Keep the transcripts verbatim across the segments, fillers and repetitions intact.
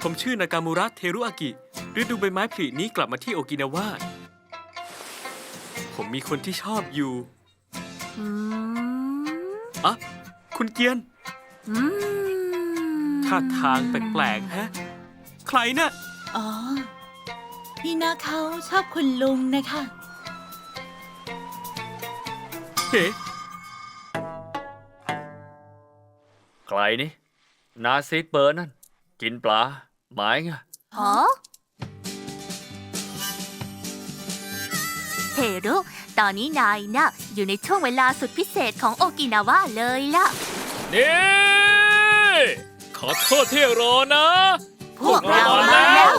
ผมชื่อนากามูระเทรุอากิฤดูใบไม้ผลินี้กลับมาที่โอกินาวาผมมีคนที่ชอบอยู่อืมอะคุณเกียนอืมท่าทางแปลกๆฮะ ใครน่ะอ๋อ พี่นาเขาชอบคุณลุงนะคะเฮ้ใครนี่ นาซีดเบอร์นั่น กินปลา หมายไงฮะเทรุตอนนี้นายน่ะอยู่ในช่วงเวลาสุดพิเศษของโอกินาวาเลยล่ะนี่ ขอโทษที่รอนะพวกเรามาแล้ว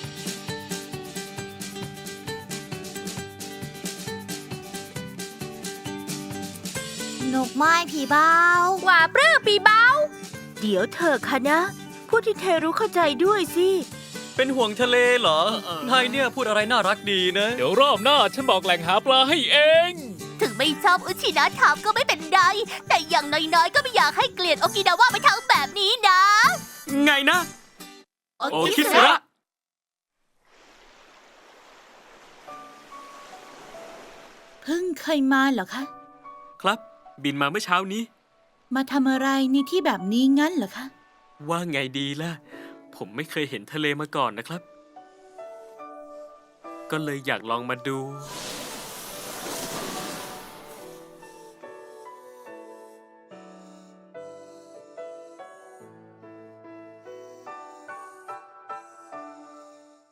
นกไม้ผีเบาว่าปลื้มปีเบาเดี๋ยวเธอคะนะ พูดที่เทรู้เข้าใจด้วยสิเป็นห่วงทะเลเหรอ นายเนี่ยพูดอะไรน่ารักดีนะเดี๋ยวรอบหน้าฉันบอกแหล่งหาปลาให้เองถึงไม่ชอบอุชินะถามก็ไม่เป็นไร แต่อย่างน้อยๆ ก็ไม่อยากให้เกลียดโอกินาวาไปทั้งแบบนี้นะไงนะ โอคิสึระเพิ่งเคยมาเหรอคะครับ บินมาเมื่อเช้านี้มาทำอะไรในที่แบบนี้งั้นเหรอคะว่าไงดีล่ะ ผมไม่เคยเห็นทะเลมาก่อนนะครับ ก็เลยอยากลองมาดู